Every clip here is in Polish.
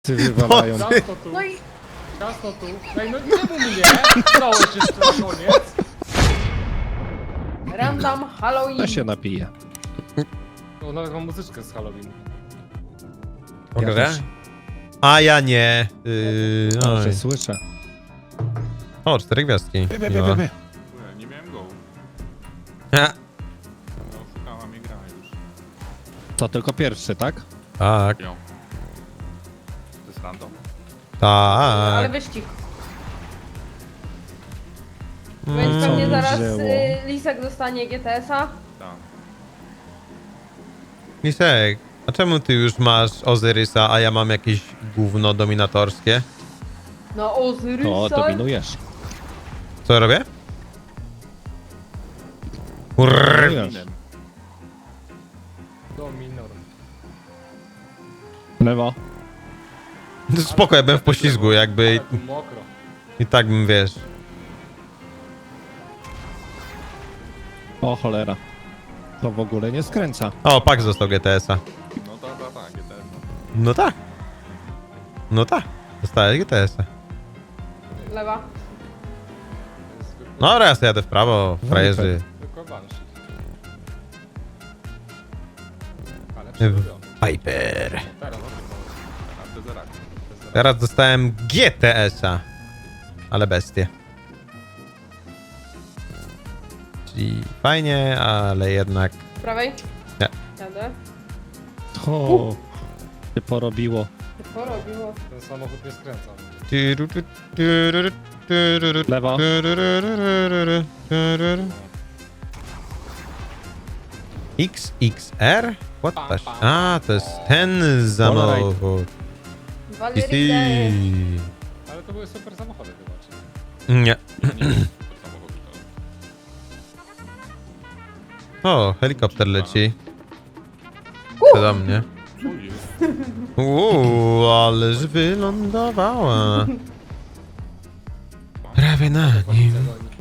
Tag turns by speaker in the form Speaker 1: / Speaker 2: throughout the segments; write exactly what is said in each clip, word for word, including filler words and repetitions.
Speaker 1: Ty wywalają.
Speaker 2: Ciasto tu,
Speaker 3: No i
Speaker 2: ciasto tu. Ej, no czemu mnie? Dałeś jeszcze na koniec.
Speaker 3: random Halloween.
Speaker 1: To się napije.
Speaker 2: O, nawet mam muzyczkę z Halloween.
Speaker 1: Ja
Speaker 4: Mogę?
Speaker 1: też.
Speaker 4: A ja nie. Yy,
Speaker 1: Dobrze,
Speaker 4: oj.
Speaker 1: słyszę.
Speaker 4: O, cztery gwiazdki.
Speaker 1: Bie, bie,
Speaker 4: Miło.
Speaker 1: bie, bie.
Speaker 5: Kurde, nie miałem go.
Speaker 4: Ha,
Speaker 5: No, szukała mnie gra już.
Speaker 1: To tylko pierwszy, tak?
Speaker 4: tak,
Speaker 5: Ją. To jest random?
Speaker 3: Ale
Speaker 4: tak.
Speaker 3: wyścig.
Speaker 4: Mm,
Speaker 3: Więc
Speaker 1: co
Speaker 3: pewnie
Speaker 1: mi
Speaker 3: zaraz
Speaker 1: wzięło?
Speaker 3: y, Lisek dostanie G T S a.
Speaker 5: Tak.
Speaker 4: Lisek, a czemu ty już masz Ozyrysa, a ja mam jakieś gówno dominatorskie?
Speaker 3: No Ozyrysa.
Speaker 1: To dominujesz.
Speaker 4: Co robię? Urr.
Speaker 1: Dominujesz.
Speaker 5: Inem.
Speaker 2: Dominor.
Speaker 1: Lewo.
Speaker 4: Spoko, ja byłem w poślizgu, jakby
Speaker 2: Ale tu mokro.
Speaker 4: i tak bym, wiesz.
Speaker 1: O cholera. To w ogóle nie skręca.
Speaker 4: O, Pax został G T S a.
Speaker 5: No tak, tak, tak, G T S.
Speaker 4: No tak. No tak. Dostałeś G T S a.
Speaker 3: Lewa.
Speaker 4: No dobra, ja sobie jadę w prawo, frajerzy.
Speaker 2: Tylko Banshee. Ale
Speaker 4: W-
Speaker 2: przerobiony.
Speaker 4: Viper.
Speaker 2: Teraz o tym
Speaker 5: A to zaraz.
Speaker 4: Teraz dostałem G T S a. Ale bestie. Czyli fajnie, ale jednak...
Speaker 3: Z prawej.
Speaker 4: Nie.
Speaker 3: Jadę.
Speaker 1: O, się porobiło.
Speaker 3: Co porobiło?
Speaker 2: Ten samochód nie skręca.
Speaker 1: Lewo.
Speaker 4: X X R? What the... sh- A, to jest ten samochód.
Speaker 3: Valerie.
Speaker 2: Ale to były super samochody chyba, czy
Speaker 4: Nie.
Speaker 5: Nie, nie, to samochód to.
Speaker 4: O, helikopter leci. To do mnie.
Speaker 5: O jest.
Speaker 4: Uuu, ależ wylądowała. Prawie na nim.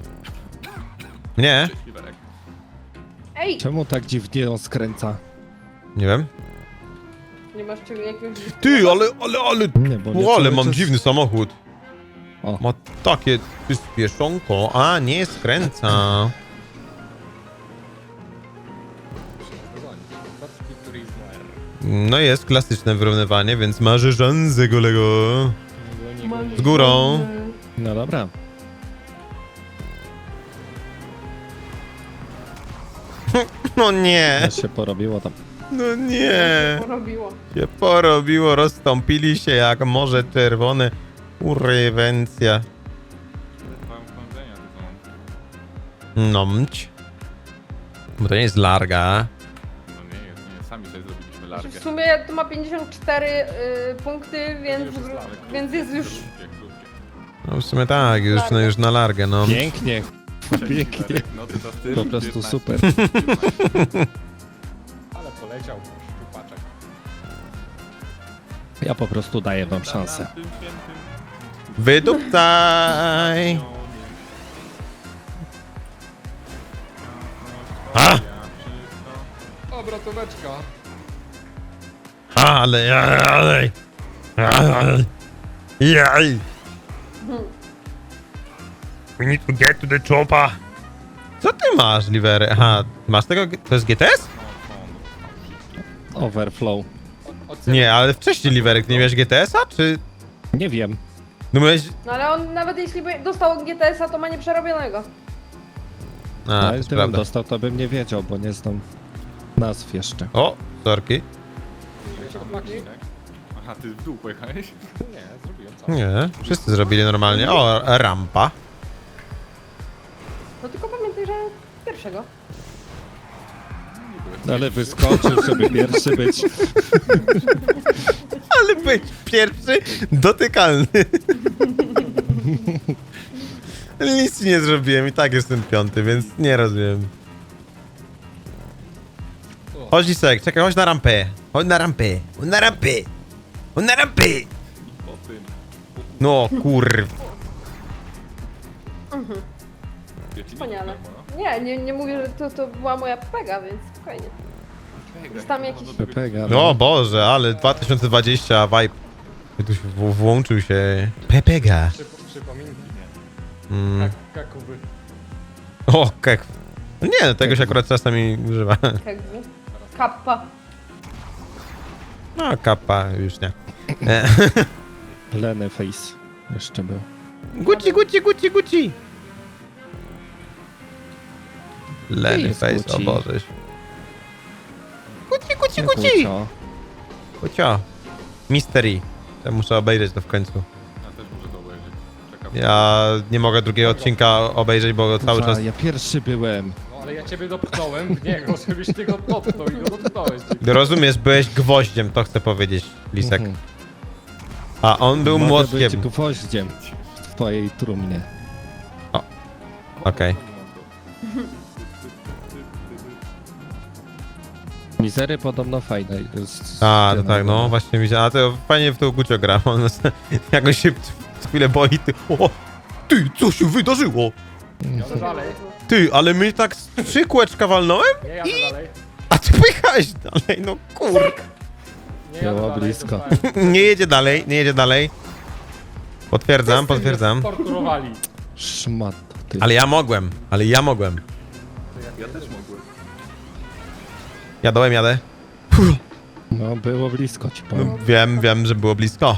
Speaker 4: Nie?
Speaker 5: Cześć, Liberek.
Speaker 3: Ej!
Speaker 1: Czemu tak dziwnie on skręca?
Speaker 4: Nie wiem.
Speaker 3: Nie masz czego jakiegoś...
Speaker 4: Ty, ale, ale, ale...
Speaker 1: Nie, bo nie
Speaker 4: O, ale
Speaker 1: cały
Speaker 4: mam
Speaker 1: czas-
Speaker 4: dziwny samochód.
Speaker 1: O.
Speaker 4: Ma takie przyspieszonko, a nie skręca.
Speaker 2: Kotki Turismo R.
Speaker 4: No jest klasyczne wyrównywanie, więc marzy szansę, kolego. Z górą.
Speaker 1: No dobra.
Speaker 4: No nie,
Speaker 1: Ja się porobiło tam.
Speaker 4: no nie.
Speaker 3: Porobiło.
Speaker 4: Się porobiło, rozstąpili się jak morze czerwone. Urywencja.
Speaker 5: Mam wchodzenia tu są.
Speaker 4: No mć. Bo to nie jest larga.
Speaker 5: No nie jest, nie jest. Sami sobie zrobiliśmy
Speaker 3: Znaczy,
Speaker 5: largę.
Speaker 3: w sumie to ma pięćdziesiąt cztery y, punkty, więc,
Speaker 2: Już jest larga.
Speaker 3: więc jest już...
Speaker 5: Krótkie, krótkie.
Speaker 4: No w sumie tak, już, no, już na largę, no.
Speaker 1: Pięknie.
Speaker 5: Cześć,
Speaker 1: Pięknie.
Speaker 5: Liberek. No ty to ty.
Speaker 1: Po prostu super.
Speaker 2: Ale poleciał szczupaczek.
Speaker 1: Ja po prostu daję wam szansę.
Speaker 4: Wydupcaj! A!
Speaker 2: Obrotóweczka.
Speaker 4: Ale, ale, ale, jaj. We need to get to the chopper. Co ty masz, Livery? Aha, masz tego, to jest G T S?
Speaker 1: Overflow.
Speaker 2: Ocen...
Speaker 4: Nie, ale wcześniej, Livery, ty nie miałeś G T S a, czy...
Speaker 1: Nie wiem.
Speaker 4: No miałeś...
Speaker 3: No ale on nawet jeśli by dostał G T S a, to ma nieprzerobionego.
Speaker 4: A,
Speaker 1: No,
Speaker 4: to
Speaker 1: ale
Speaker 4: jest
Speaker 1: gdybym
Speaker 4: prawda.
Speaker 1: dostał, to bym nie wiedział, bo nie znam nazw jeszcze.
Speaker 4: O, sorki.
Speaker 5: Aha, ty w dół pojechałeś?
Speaker 2: Nie, zrobiłem co?
Speaker 4: Nie, wszyscy zrobili normalnie. O, rampa.
Speaker 3: No tylko pamiętaj, że pierwszego.
Speaker 1: No, ale wyskoczył, żeby pierwszy być.
Speaker 4: Ale być pierwszy dotykalny. Nic nie zrobiłem i tak jestem piąty, więc nie rozumiem. Chodź Lisek, czekaj, chodź na rampę. Chodź na rampę. Chodź na rampę. Chodź na rampę.
Speaker 5: Po tym.
Speaker 4: No kurw.
Speaker 3: Wspaniale. Nie, nie, nie mówię, że to, to była moja pega, więc spokojnie. Jest tam jakiś...
Speaker 1: Pepega.
Speaker 4: O Boże, ale dwa tysiące dwudziesty vibe. Tu się w- włączył się Pepega.
Speaker 2: Przypo, przypominki,
Speaker 4: Mm.
Speaker 2: jak kakuby.
Speaker 4: O, kek. No nie, no tego się akurat czasami używa.
Speaker 3: Jakby. Kappa.
Speaker 4: No, kappa już nie. E,
Speaker 1: Lenny Face jeszcze był.
Speaker 4: Gucci, Gucci, Gucci, Gucci.
Speaker 1: Nie
Speaker 4: Lenny
Speaker 1: jest
Speaker 4: face,
Speaker 1: Gucci.
Speaker 4: o Boże. Gucci, Gucci,
Speaker 1: Nie
Speaker 4: Gucci.
Speaker 1: kłóco.
Speaker 4: Gucio. Mystery. Ja muszę obejrzeć to w końcu.
Speaker 5: Ja też muszę to obejrzeć. Czekam.
Speaker 4: Ja nie mogę drugiego odcinka obejrzeć, bo cały
Speaker 1: Kurwa,
Speaker 4: czas...
Speaker 1: Ja pierwszy byłem.
Speaker 2: No ale ja ciebie dopchnąłem w niego, żebyś ty go dotknął i go dotknąłeś.
Speaker 4: Rozumiesz, byłeś gwoździem, to chcę powiedzieć, Lisek.
Speaker 1: Mhm.
Speaker 4: A on był
Speaker 1: Mogę
Speaker 4: młotkiem.
Speaker 1: być gwoździem w twojej trumnie.
Speaker 4: Okej.
Speaker 1: Mizery podobno fajne. jest
Speaker 4: A, to
Speaker 1: scena,
Speaker 4: tak, no właśnie widziałem. A to fajnie w to Gucio gra. On jakoś się w chwilę boi. Ty, o, ty, co się wydarzyło?
Speaker 2: Jadę dalej.
Speaker 4: Ty, ale my tak z trzy kółeczka walnąłem?
Speaker 2: Nie jadę dalej.
Speaker 4: A ty pojechałeś dalej, no kur...
Speaker 2: Nie jadę
Speaker 1: Było
Speaker 2: dalej.
Speaker 1: blisko.
Speaker 2: dostałem.
Speaker 4: Nie jedzie dalej, nie jedzie dalej. Potwierdzam,
Speaker 2: Wszyscy mnie
Speaker 4: potwierdzam.
Speaker 2: torturowali.
Speaker 1: Szmat. Ty.
Speaker 4: Ale ja mogłem, ale ja mogłem.
Speaker 5: Ja też mogłem.
Speaker 4: Jadłem, jadę.
Speaker 1: No było blisko ci
Speaker 4: No,
Speaker 1: powiem.
Speaker 4: wiem, wiem, że było blisko.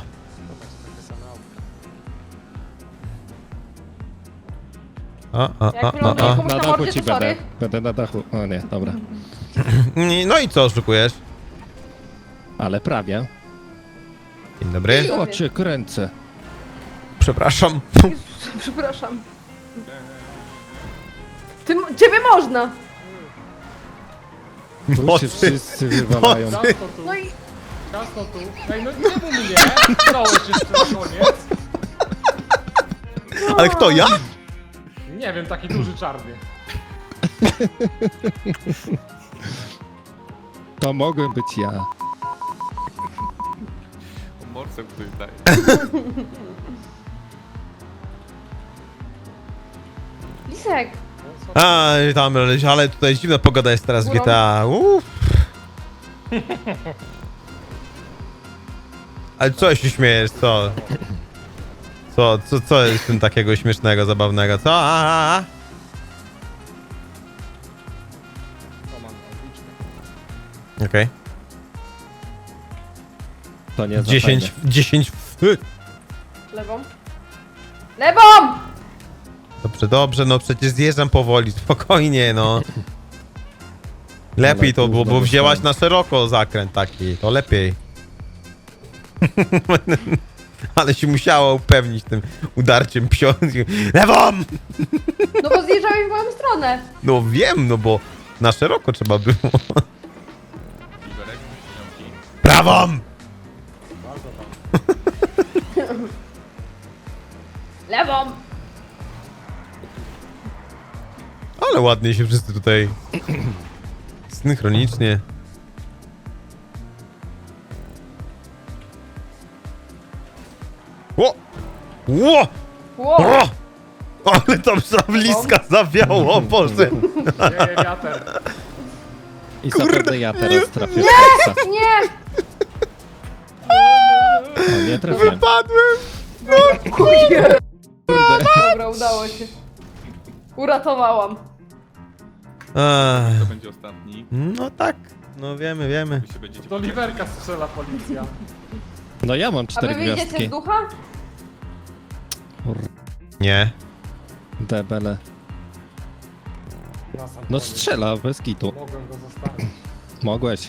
Speaker 4: A, a,
Speaker 3: Jak
Speaker 4: a,
Speaker 3: wyląduję
Speaker 4: a, a.
Speaker 3: komuś
Speaker 1: Na
Speaker 3: na
Speaker 1: dachu
Speaker 3: mordzie,
Speaker 1: ci
Speaker 3: to sorry.
Speaker 1: będę. Będę na dachu. O nie, dobra.
Speaker 4: No i co oszukujesz?
Speaker 1: Ale prawie.
Speaker 4: Dzień dobry.
Speaker 1: I oczy kręcę.
Speaker 4: Przepraszam.
Speaker 3: Przepraszam. Ty, ciebie można!
Speaker 1: Tu się
Speaker 4: Mocy.
Speaker 1: wszyscy wywalają.
Speaker 2: Ciasto tu,
Speaker 3: No i
Speaker 2: ciasto tu. Ej, no nie mów mnie! Dałeś jeszcze na koniec.
Speaker 4: Ale kto, ja?
Speaker 2: Nie wiem, taki duży czarny.
Speaker 1: To mogłem być ja.
Speaker 5: O morce ktoś daje.
Speaker 3: Lisek!
Speaker 4: A, tam, ale tutaj dziwna pogoda jest teraz w G T A. Uff. Ale co się śmiejesz, co? Co, co, co jest w tym takiego śmiesznego, zabawnego, co? A, a, a.
Speaker 2: To mam tabliczkę.
Speaker 4: Okej.
Speaker 1: To nie za
Speaker 4: dziesięć,
Speaker 1: fajne.
Speaker 4: dziesięć. f-
Speaker 3: Lewą. Lewą!
Speaker 4: Dobrze, dobrze, no przecież zjeżdżam powoli, spokojnie, no. Lepiej
Speaker 1: Ale
Speaker 4: to było, bo
Speaker 1: gówno
Speaker 4: wzięłaś
Speaker 1: dostałem.
Speaker 4: na szeroko zakręt taki, to lepiej. Ale się musiała upewnić tym udarciem psionki. Lewą!
Speaker 3: No bo zjeżdżałeś w moją stronę.
Speaker 4: No wiem, no bo na szeroko trzeba było.
Speaker 5: Liberek, śniąki.
Speaker 4: Prawą!
Speaker 3: Lewą!
Speaker 4: Ale ładnie się wszyscy tutaj synchronicznie. Ło! Ło!
Speaker 3: Ło!
Speaker 4: O! Ale tam za bliska zawiało, o Boże!
Speaker 2: Wieje wiater.
Speaker 1: I zapewne ja teraz trafię. Nie!
Speaker 3: Nie!
Speaker 1: O, nie trafiłem.
Speaker 4: Wypadłem!
Speaker 3: Kurde. Dobra, udało się. Uratowałam.
Speaker 4: Ech,
Speaker 5: To będzie ostatni.
Speaker 4: no tak, no wiemy, wiemy.
Speaker 5: Wy się będziecie
Speaker 2: Do Liberka strzela policja.
Speaker 1: No ja mam
Speaker 3: A wy
Speaker 1: cztery
Speaker 3: wyjdziecie
Speaker 1: gwiazdki.
Speaker 3: z ducha?
Speaker 4: Nie.
Speaker 1: Debele.
Speaker 2: Na sam
Speaker 1: No
Speaker 2: koniec.
Speaker 1: strzela, bez kitu.
Speaker 2: Mogłem go zostawić.
Speaker 1: Mogłeś.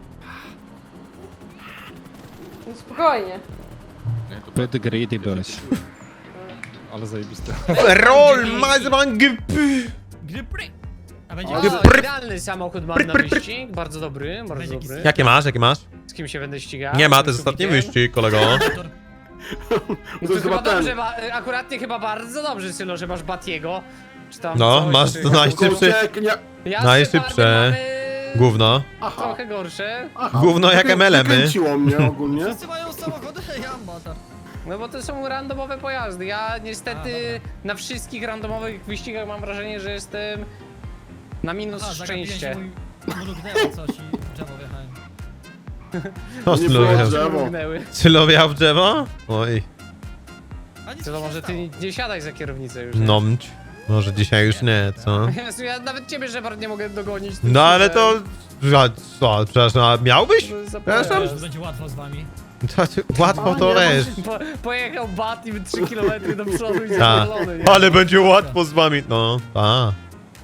Speaker 3: No spokojnie.
Speaker 5: Nie, to
Speaker 1: Zbyt greedy byłeś.
Speaker 2: Ale zajebiste.
Speaker 4: Roll, mazman, gp.
Speaker 6: Grypry! A będzie
Speaker 3: O,
Speaker 6: o, idealny samochód mam na wyścig, bardzo dobry, bardzo Będzie dobry.
Speaker 4: Jakie masz, jakie masz?
Speaker 6: Z kim się będę ścigał?
Speaker 4: Nie ma, to
Speaker 6: Z
Speaker 4: jest ostatni
Speaker 6: Kubikiem?
Speaker 4: wyścig, kolego.
Speaker 6: No to chyba dobrze, ba, akuratnie chyba bardzo dobrze, Sylo, że masz Batiego. Czy tam
Speaker 4: No,
Speaker 6: coś,
Speaker 4: masz
Speaker 6: czy
Speaker 4: to najszybszy.
Speaker 6: Ja z
Speaker 4: najszybsze.
Speaker 6: Shepardem mamy
Speaker 4: Gówno.
Speaker 6: trochę gorsze.
Speaker 4: Gówno jak M L M-y.
Speaker 7: Kręciło mnie ogólnie.
Speaker 6: Wszyscy mają samochody, ja mam motor. No bo to są randomowe pojazdy. Ja niestety na wszystkich randomowych wyścigach mam wrażenie, że jestem na minus szczęście.
Speaker 8: Mrugnęło coś i w drzewo wjechałem.
Speaker 4: To
Speaker 7: Nie
Speaker 4: Sylo
Speaker 7: było
Speaker 4: wjechał.
Speaker 7: drzewo.
Speaker 6: Mrugnęły.
Speaker 4: Sylo wjechał w drzewo? Oj,
Speaker 6: To może ty nie, nie siadaj za kierownicę już.
Speaker 4: nomć. Może dzisiaj już nie, co?
Speaker 6: Jezu, ja nawet ciebie, Shepard, nie mogę dogonić.
Speaker 4: No ale to... A, co, przepraszam, a miałbyś? Przepraszam?
Speaker 8: Będzie łatwo z wami.
Speaker 4: To, ty- łatwo to wiesz.
Speaker 6: Po, pojechał bat i trzy kilometry do przodu i
Speaker 4: Ta.
Speaker 6: zadowolony. nie?
Speaker 4: Ale będzie łatwo z wami. No, ta.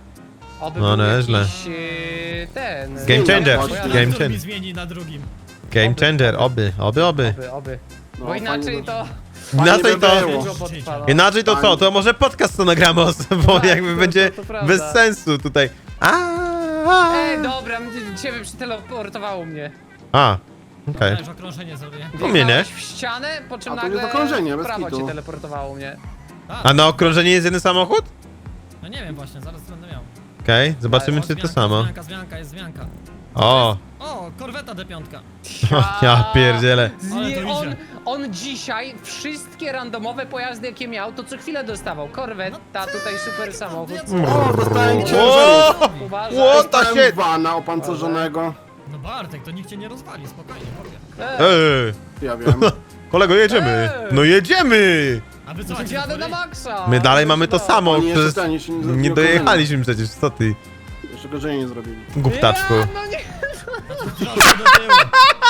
Speaker 6: Oby
Speaker 4: No,
Speaker 6: był
Speaker 4: nieźle.
Speaker 6: jakiś, e, ten...
Speaker 4: Game changer.
Speaker 7: Bo
Speaker 8: Bo ja
Speaker 4: Game
Speaker 8: mi
Speaker 4: changer.
Speaker 8: zmieni na drugim.
Speaker 4: Game changer, oby, oby, oby.
Speaker 6: Oby, oby.
Speaker 7: No,
Speaker 6: Bo inaczej
Speaker 7: fajnie
Speaker 6: to...
Speaker 4: Inaczej
Speaker 7: by
Speaker 4: to...
Speaker 7: było.
Speaker 6: Dużo potrwa, no.
Speaker 4: Inaczej to co? To może podcast to nagramy, o- bo
Speaker 6: Tak,
Speaker 4: jakby
Speaker 6: to-
Speaker 4: będzie
Speaker 6: to- to prawda.
Speaker 4: bez sensu tutaj. A, a,
Speaker 6: Ej, dobra, ciebie przyteleportowało mnie.
Speaker 4: a. okej.
Speaker 8: Ja już okrążenie zrobię.
Speaker 4: U mnie nie.
Speaker 6: Wjechałeś w ścianę, po czym
Speaker 7: A to jest
Speaker 6: nagle
Speaker 7: okrążenie,
Speaker 6: w
Speaker 7: bez
Speaker 6: prawo
Speaker 7: kitu.
Speaker 6: cię teleportowało mnie.
Speaker 4: A na okrążenie jest jeden samochód?
Speaker 8: No nie wiem właśnie, zaraz będę miał.
Speaker 4: Okej, zobaczymy
Speaker 8: O,
Speaker 4: czy to
Speaker 8: zmianka,
Speaker 4: samo.
Speaker 8: Zmianka, zmianka, jest zmianka.
Speaker 4: O,
Speaker 8: O, korweta D pięć.
Speaker 4: ja pierdzielę.
Speaker 6: Z
Speaker 8: Ale
Speaker 6: nie,
Speaker 8: to
Speaker 6: on,
Speaker 8: idzie.
Speaker 6: on dzisiaj wszystkie randomowe pojazdy jakie miał, to co chwilę dostawał. Korwetta, tutaj super samochód.
Speaker 7: O, dostałem ciężar.
Speaker 4: O,
Speaker 6: Uważaj.
Speaker 4: what the
Speaker 7: Dostałem
Speaker 4: shit?
Speaker 7: vana opancerzonego.
Speaker 8: No Bartek, to nikt cię nie rozwali, spokojnie, powiem.
Speaker 6: Ej,
Speaker 4: Ej,
Speaker 7: Ja wiem.
Speaker 4: kolego, jedziemy.
Speaker 6: Ej.
Speaker 4: No jedziemy.
Speaker 8: A wy co, macie
Speaker 6: Jadę na
Speaker 8: rozwali?
Speaker 6: maksa.
Speaker 4: My dalej mamy to samo,
Speaker 7: Oni jeszcze
Speaker 4: przecież
Speaker 7: ten, jeszcze nie
Speaker 4: nie
Speaker 7: zrobili
Speaker 4: dojechaliśmy przecież, co ty,
Speaker 7: okrążenia. Jeszcze okrążenia nie zrobili.
Speaker 4: głuptaczku.
Speaker 6: Ja, no nie,
Speaker 8: Troszkę do tyłu.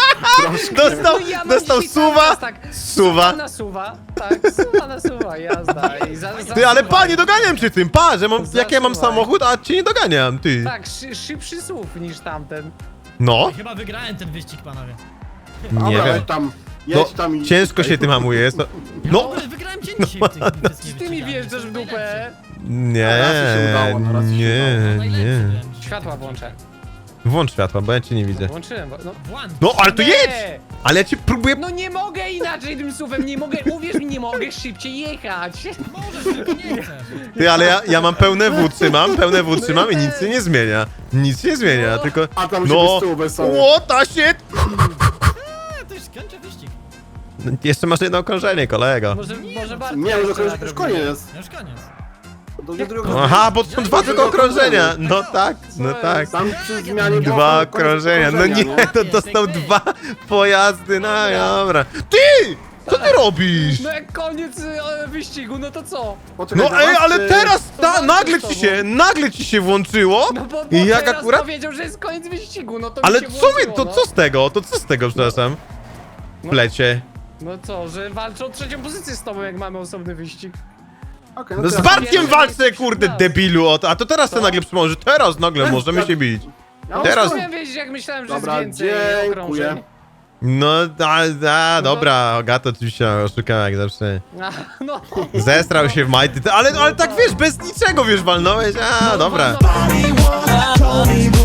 Speaker 4: Dostał,
Speaker 6: no ja mam
Speaker 4: dostał
Speaker 6: dzisiaj cały
Speaker 4: suwa,
Speaker 6: czas tak,
Speaker 4: suwa.
Speaker 6: na suwa, tak, suwa na suwa, jazda. I za, za
Speaker 4: Ty, ale
Speaker 6: suwa.
Speaker 4: panie, doganiam cię tym, pa, że mam, jak ja mam
Speaker 6: Zasuwaj.
Speaker 4: samochód, a cię nie doganiam, ty.
Speaker 6: Tak, szy, szybszy słów niż tamten.
Speaker 4: No,
Speaker 8: Chyba wygrałem ten wyścig, panowie.
Speaker 4: nie
Speaker 7: Dobra,
Speaker 4: wiem.
Speaker 7: jedź tam,
Speaker 4: No,
Speaker 7: jedź tam i...
Speaker 4: ciężko się tym hamuje, jest to...
Speaker 8: Ja
Speaker 4: No,
Speaker 8: w ogóle wygrałem cię dzisiaj w tych wszystkich
Speaker 6: Ty mi
Speaker 8: wyścigach,
Speaker 6: wjeżdżasz w
Speaker 8: jestem
Speaker 6: dupę.
Speaker 8: najlepszy.
Speaker 4: nie,
Speaker 7: raz ci się udało, no raz ci się
Speaker 4: nie,
Speaker 8: Najlepszy
Speaker 4: nie.
Speaker 8: byłem dzisiaj w
Speaker 6: Światła
Speaker 8: tych
Speaker 6: włączę.
Speaker 4: Włącz światła, bo ja cię nie widzę.
Speaker 6: Włączyłem, bo- no.
Speaker 8: wyścigach. Włącz.
Speaker 4: No, ale to
Speaker 6: Nie!
Speaker 4: jedź! Ale ja ci próbuję...
Speaker 6: No nie mogę inaczej tym słowem, nie mogę, uwierz mi, nie mogę szybciej jechać.
Speaker 8: Możesz, tylko nie chcesz.
Speaker 4: Ty, ale ja, ja mam pełne W trzymam, pełne W trzymam i nic się nie zmienia. Nic się nie zmienia,
Speaker 6: No.
Speaker 4: tylko...
Speaker 7: A tam się
Speaker 4: No,
Speaker 7: bez tyłu bez sobie.
Speaker 4: what the shit!
Speaker 8: A, to już kończę wyścig.
Speaker 4: No, jeszcze masz jedno okrążenie, kolego.
Speaker 6: Może, może bardzo.
Speaker 7: Nie, no to już, już koniec.
Speaker 8: Ja już koniec.
Speaker 7: To już druga-
Speaker 4: Aha, bo są dwa tylko okrążenia. No tak, no tak.
Speaker 7: Tam przy zmianie było
Speaker 4: Dwa
Speaker 7: koniec
Speaker 4: okrążenia. No
Speaker 7: okrążenia,
Speaker 4: nie, to dostał dwa pojazdy, no dobra. Ty! Co ty robisz?
Speaker 6: No jak koniec e, wyścigu, no to co?
Speaker 7: Poczekaj,
Speaker 4: No ej,
Speaker 7: zobacz,
Speaker 4: ale
Speaker 7: czy-
Speaker 4: teraz
Speaker 6: to
Speaker 4: ta,
Speaker 6: walczy
Speaker 4: nagle
Speaker 6: z
Speaker 4: ci
Speaker 6: tobą.
Speaker 4: się, nagle ci się włączyło.
Speaker 6: No bo, bo
Speaker 4: I jak
Speaker 6: teraz
Speaker 4: akurat...
Speaker 6: powiedział, że jest koniec wyścigu, no to
Speaker 4: Ale
Speaker 6: mi się
Speaker 4: co mi,
Speaker 6: włączyło,
Speaker 4: to
Speaker 6: no.
Speaker 4: co z tego? To co z tego, przepraszam? W lecie.
Speaker 6: No co, że walczą o trzecią pozycję z tobą, jak mamy osobny wyścig.
Speaker 7: Okej,
Speaker 4: No z
Speaker 7: teraz-
Speaker 4: Bartkiem
Speaker 6: wiesz,
Speaker 4: walczę,
Speaker 6: że
Speaker 4: kurde,
Speaker 6: jesteś
Speaker 4: debilu, o to- a to teraz to
Speaker 6: Co?
Speaker 4: nagle przypomnę, że teraz nagle możemy się bić.
Speaker 7: Ja
Speaker 4: Teraz-
Speaker 6: Chciałem wiedzieć, jak myślałem, że
Speaker 7: Dobra,
Speaker 6: jest więcej
Speaker 7: dziękuję.
Speaker 6: okrążeń.
Speaker 4: No, a, a dobra, Agata oczywiście oszukała jak zawsze.
Speaker 6: A, no.
Speaker 4: Zestrał się w majty, ale, ale tak wiesz, bez niczego wiesz, walnąłeś, a dobra.
Speaker 6: No, no, no.